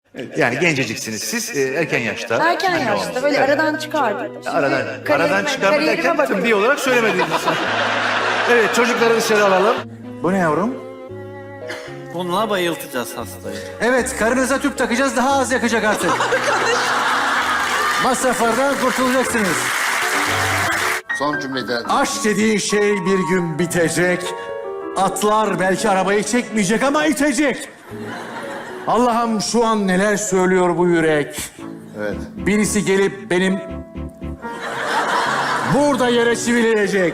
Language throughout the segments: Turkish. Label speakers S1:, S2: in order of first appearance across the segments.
S1: Yani genceciksiniz siz, erken yaşta.
S2: Erken yaşta böyle aradan çıkardık.
S1: Aradan çıkardı derken tıbbi olarak söylemediğiniz için. Evet, çocukları dışarı alalım. Bu ne yavrum?
S3: Bununla bayıltacağız hastayı.
S4: Evet, karınıza tüp takacağız, daha az yakacak artık. Masraflardan kurtulacaksınız.
S5: Son cümleden
S4: Aşk dediğin şey bir gün bitecek. Atlar belki arabayı çekmeyecek ama itecek. Allah'ım şu an neler söylüyor bu yürek.
S5: evet.
S4: Birisi gelip benim burada yere çivileyecek.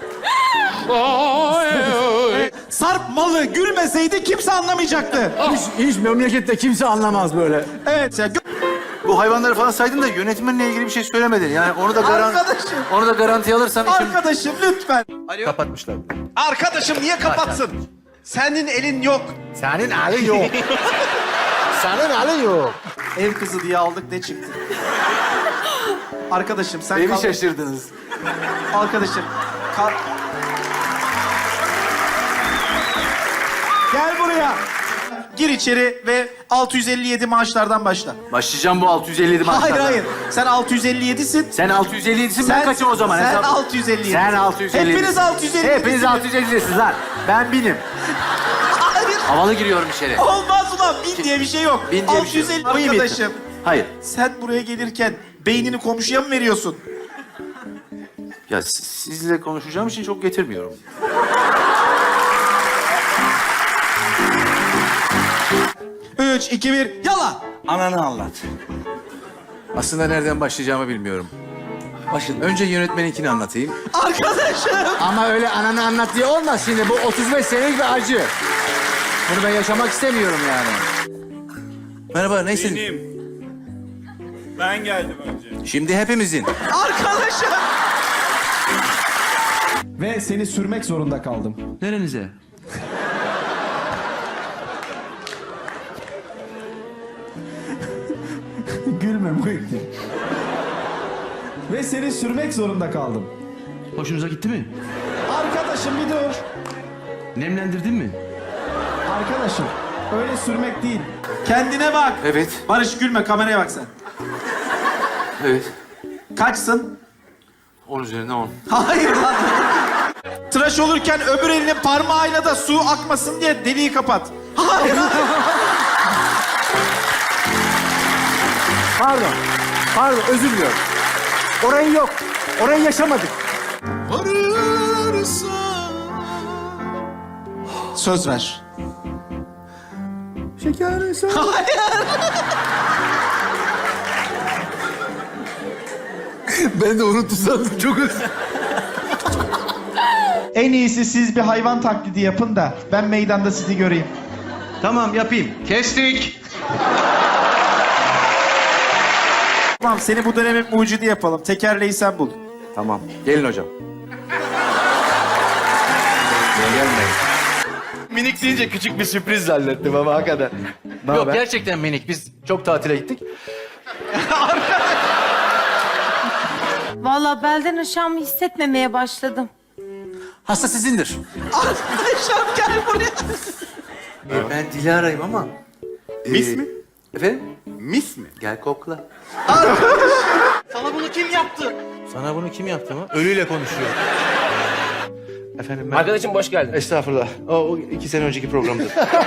S6: Sarp malı gülmeseydi kimse anlamayacaktı.
S4: Hiç memlekette kimse anlamaz böyle.
S6: Evet ya.
S1: Bu hayvanları falan saydın da yönetmenle ilgili bir şey söylemedin. Yani onu da
S6: Arkadaşım.
S1: onu da garantiye alırsan için
S6: Arkadaşım lütfen.
S1: kapatmışlar.
S6: Arkadaşım niye kapatsın? Senin elin yok.
S1: Senin elin yok. Senin elin yok.
S6: Ev kızı diye aldık ne çıktı? Arkadaşım sen
S1: Evi
S6: kal.
S1: şaşırdınız.
S6: Arkadaşım kal. Gel buraya. Gir içeri ve 657 maaşlardan başla.
S1: Başlayacağım bu 657 maaşlardan.
S6: Hayır hayır. Sen 657'sin.
S1: Sen 657'sin ben kaçım o zaman?
S6: Sen
S1: Hesap-
S6: 657.
S1: Sen 657.
S6: Hepiniz 657.
S1: Hepiniz 657'siniz lan. Ben binim.
S6: Hayır.
S1: Havalı giriyorum içeri.
S6: Olmaz ulan. Bin diye bir şey yok.
S1: Bin diye bir şey yok.
S6: 650
S1: Bıyım
S6: arkadaşım.
S1: yetti. Hayır.
S6: Sen buraya gelirken beynini komşuya mı veriyorsun?
S1: Ya sizle konuşacağım için çok getirmiyorum.
S6: Üç, iki, bir, yala.
S3: Ananı anlat.
S4: Aslında nereden başlayacağımı bilmiyorum. Önce yönetmeninkini anlatayım.
S6: Arkadaşım.
S4: Ama öyle ananı anlat diye olmaz şimdi. Bu 35 senelik bir acı. Bunu ben yaşamak istemiyorum yani. Merhaba, neysin?
S3: Benim. Ben geldim önce.
S4: Şimdi hepimizin.
S6: Arkadaşım.
S7: Ve seni sürmek zorunda kaldım.
S4: Nerenize?
S7: Gülme Muhittin. Ve seni sürmek zorunda kaldım.
S8: Hoşunuza gitti mi?
S7: Arkadaşım bir dur.
S8: Nemlendirdin mi?
S7: Arkadaşım öyle sürmek değil.
S6: Kendine bak.
S1: Evet.
S6: Barış gülme kameraya bak sen.
S1: Evet.
S6: Kaçsın?
S1: 10 üzerinden 10.
S6: Hayır lan. Tıraş olurken öbür elinin parmağıyla da su akmasın diye deliği kapat. Hayır.
S4: Pardon, özür diliyorum. Orayı yok. Orayı yaşamadık.
S6: Söz ver.
S4: Ben de unuttum sandım. Çok özür.
S7: En iyisi siz bir hayvan taklidi yapın da ben meydanda sizi göreyim.
S8: Tamam yapayım. Kestik.
S6: Tamam seni bu dönemin mucidi yapalım. Tekerleği sen bul.
S4: Tamam. Gelin hocam. Gelmeyin.
S1: Minik deyince küçük bir sürpriz zannettim ama hakikaten. Yok gerçekten minik. Biz çok tatile gittik.
S2: Vallahi belden aşağımı hissetmemeye başladım.
S4: Hasta sizindir.
S6: Arkadaşım gel buraya.
S1: Ben Dilara'yım ama.
S5: Mis mi?
S1: Efendim?
S5: Mis mi?
S1: Gel kokla.
S3: Sana bunu kim yaptı?
S1: Sana bunu kim yaptı mı? Ölüyle konuşuyor. Efendim ben...
S8: Arkadaşım hoş geldin.
S1: Estağfurullah. O 2 sene önceki programdı.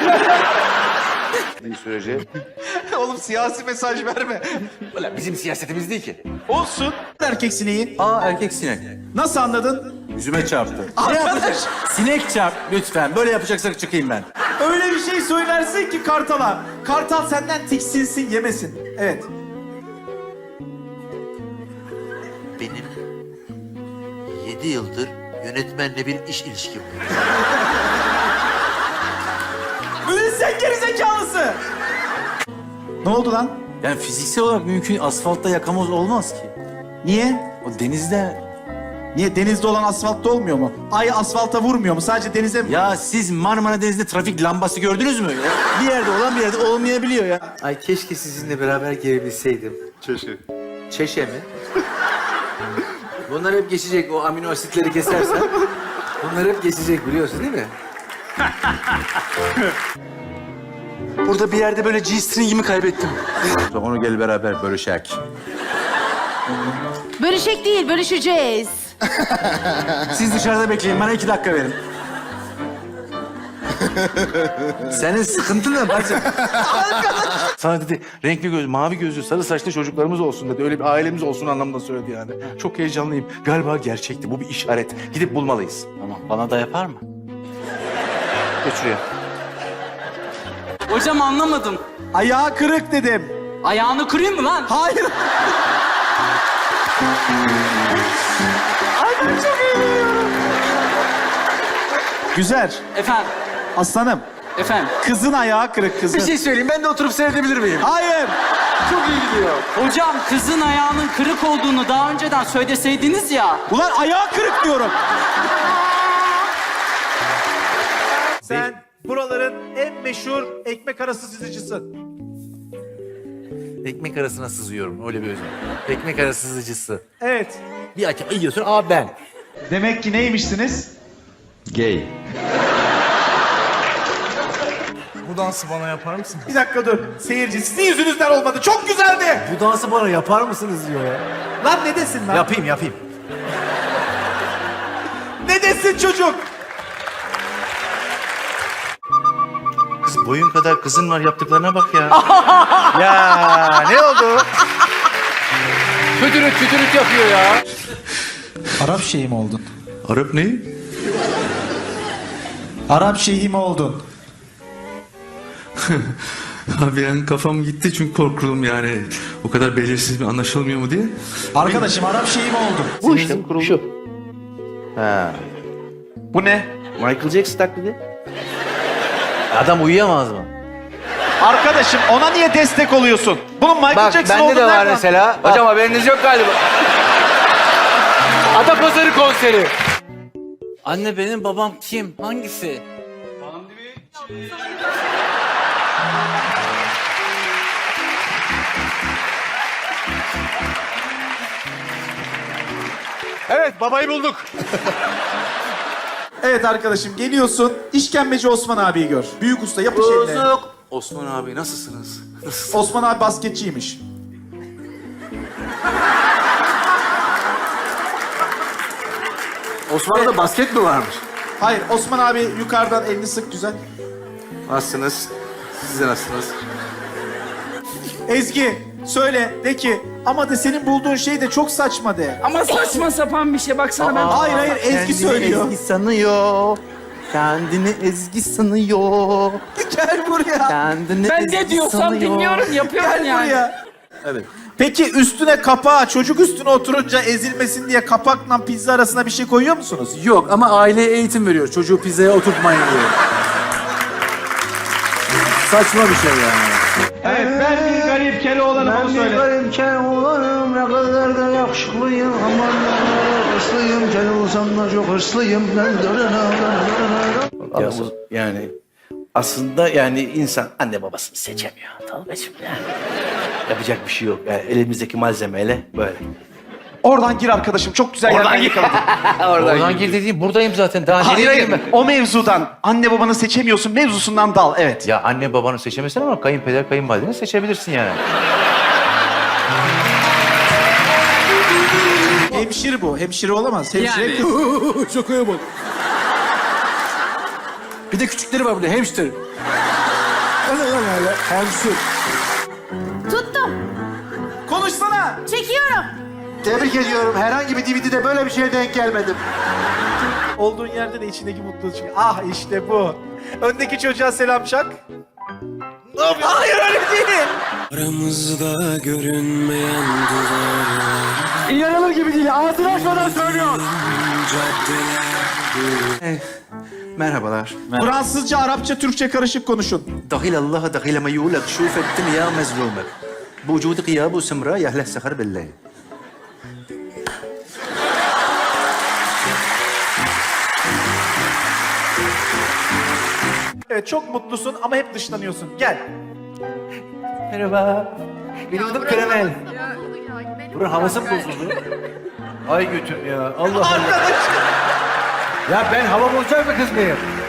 S1: Bir sürece.
S6: Oğlum siyasi mesaj verme.
S4: Ulan bizim siyasetimiz değil ki.
S6: Olsun. Erkek sineği.
S4: Erkek sinek.
S6: Nasıl anladın?
S4: Yüzüme çarptı.
S6: Arkadaş.
S4: Sinek çarp lütfen. Böyle yapacaksak çıkayım ben.
S6: Öyle bir şey söylersin ki Kartal'a. Kartal senden tiksinsin yemesin. Evet.
S9: Benim 7 yıldır yönetmenle bir iş ilişkim var.
S6: Ulan sen gerizekalısı. Ne oldu lan?
S4: Yani fiziksel olarak mümkün asfaltta yakamoz olmaz ki.
S6: Niye?
S4: O denizde...
S6: Niye denizde olan asfaltta olmuyor mu? Ay asfalta vurmuyor mu? Sadece denize mi?
S4: Ya siz Marmara Denizi'nde trafik lambası gördünüz mü? Ya? Bir yerde olan bir yerde olmayabiliyor ya.
S1: Ay keşke sizinle beraber gelebilseydim.
S5: Çeşit.
S1: Çeşe mi? Bunlar hep geçecek. O amino asitleri kesersen. Bunlar hep geçecek biliyorsun değil mi? Burada bir yerde böyle G-string'imi kaybettim.
S4: Onu gel beraber bölüşek.
S2: Bölüşek değil, bölüşeceğiz.
S4: Siz dışarıda bekleyin, bana 2 dakika verin. Senin sıkıntın ne bacım?
S1: Sana dedi renkli göz, mavi gözlü, sarı saçlı çocuklarımız olsun dedi. Öyle bir ailemiz olsun anlamında söyledi yani. Çok heyecanlıyım. Galiba gerçekti. Bu bir işaret. Gidip bulmalıyız.
S3: Tamam, bana da yapar mı?
S1: Geç şuraya.
S10: Hocam anlamadım.
S7: Ayağı kırık dedim.
S10: Ayağını kırayım mı lan?
S7: Hayır. Güzel.
S10: Efendim,
S7: Aslanım.
S10: efendim.
S7: Kızın ayağı kırık kızın.
S1: Bir şey söyleyeyim. Ben de oturup seyredebilir miyim?
S7: Hayır.
S1: Çok iyi gidiyor.
S10: Hocam kızın ayağının kırık olduğunu daha önceden söyleseydiniz ya.
S7: Ulan ayağı kırık diyorum.
S6: Sen buraların en meşhur ekmek arası sızıcısı.
S1: Ekmek arasına sızıyorum. Öyle bir özel. Ekmek arası sızıcısı.
S6: Evet.
S1: Bir açıp yiyorsun. Aa ben.
S7: Demek ki neymişsiniz?
S8: Gay.
S1: Bu dansı bana yapar mısın?
S6: Bir dakika dur. Seyirci sizin yüzünüzden olmadı. Çok güzeldi.
S1: Bu dansı bana yapar mısınız diyor ya.
S6: Lan ne desin lan?
S1: Yapayım.
S6: Ne desin çocuk?
S1: Kız boyun kadar kızın var yaptıklarına bak ya. Ya ne oldu? Kötürük yapıyor ya.
S7: Arap şeyhi mi oldun?
S8: Arap ne?
S7: Arap şeyhi mi oldun?
S8: Abi yani kafam gitti çünkü korkudum yani. O kadar belirsiz bir anlaşılmıyor mu diye.
S7: Arkadaşım Arap şeyhi mi oldun?
S1: Bu işte şu. Ha.
S6: Bu ne?
S1: Michael Jackson taklidi. Adam uyuyamaz mı?
S6: Arkadaşım ona niye destek oluyorsun? Bunun Michael Jackson
S1: bende de
S6: olduğunu
S1: var
S6: nereden-
S1: mesela. Hocam haberiniz yok galiba. Atapazarı konseri.
S3: Anne benim babam kim? Hangisi?
S1: Evet babayı bulduk.
S7: Evet arkadaşım geliyorsun. İşkembeci Osman abiyi gör. Büyük usta yapış eline.
S1: Osman abi nasılsınız?
S7: Osman abi basketçiymiş.
S1: Osman'da basket mi varmış?
S7: Hayır Osman abi yukarıdan elini sık güzel.
S1: Nasılsınız? Siz de nasılsınız?
S7: Ezgi söyle de ki ama de senin bulduğun şey de çok saçma de.
S10: Ama saçma sapan bir şey baksana ben.
S7: Hayır Ezgi söylüyor.
S1: Ezgi sanıyor. Kendini Ezgi sanıyor.
S7: Gel buraya.
S1: Kendini
S10: Ben
S1: Ezgi
S10: ne diyorsam
S1: sanıyor.
S10: dinliyorum, yapıyorum
S7: Gel
S10: yani.
S7: buraya.
S1: Evet.
S6: Peki üstüne kapağı, çocuk üstüne oturunca ezilmesin diye kapakla pizza arasına bir şey koyuyor musunuz?
S1: Yok ama aileye eğitim veriyor. Çocuğu pizzaya oturtmayın diyor. Saçma bir şey yani.
S7: Evet ben bir garip kere olanım onu söyle.
S8: olanım, ne kadar da yakışıklıyım. Aman hırslıyım, gel olsam da çok hırslıyım.
S11: Ya bu, yani aslında yani insan anne babasını seçemiyor Tolga'cığım yani. Yapacak bir şey yok. Yani elimizdeki malzemeyle böyle.
S7: Oradan gir arkadaşım çok güzel yerden yakaladın.
S1: Oradan gir dediğim buradayım zaten. Daha nereye gireyim ben?
S7: O mevzudan anne babanı seçemiyorsun mevzusundan dal evet.
S1: Ya anne babanı seçemezsin ama kayınpeder kayınvalideni seçebilirsin yani.
S7: Hemşire bu. Hemşire olamaz. Hemşire kız.
S1: Şakaya bak. Bir de küçükleri var burada hamster. Hamster.
S2: Tuttum.
S7: Konuşsana.
S2: Çekiyorum.
S5: Tebrik ediyorum. Herhangi bir DVD'de böyle bir şeye denk gelmedim.
S6: Olduğun yerde de içindeki mutluluk çıkıyor. Ah işte bu. Öndeki çocuğa selam çak. Ne yapıyorsun? Hayır öyle değil.
S3: Aramızda görünmeyen duvarlar.
S1: İnanılır gibi değil. Ağzını açmadan söylüyor. Merhabalar.
S7: Fransızca, Arapça, Türkçe karışık konuşun.
S1: دخيل الله دخيل ما يقولك شوف الدنيا مزلومة بوجود غياب وسمراء يا أهل السهر بالليل.
S6: Evet çok mutlusun ama hep dışlanıyorsun. Gel.
S1: Merhaba. Benim adım Kremel. Buranın havası mı bozuldu? Ay götür ya. Allah Allah. Ya ben hava bozacak mı kız mıyım?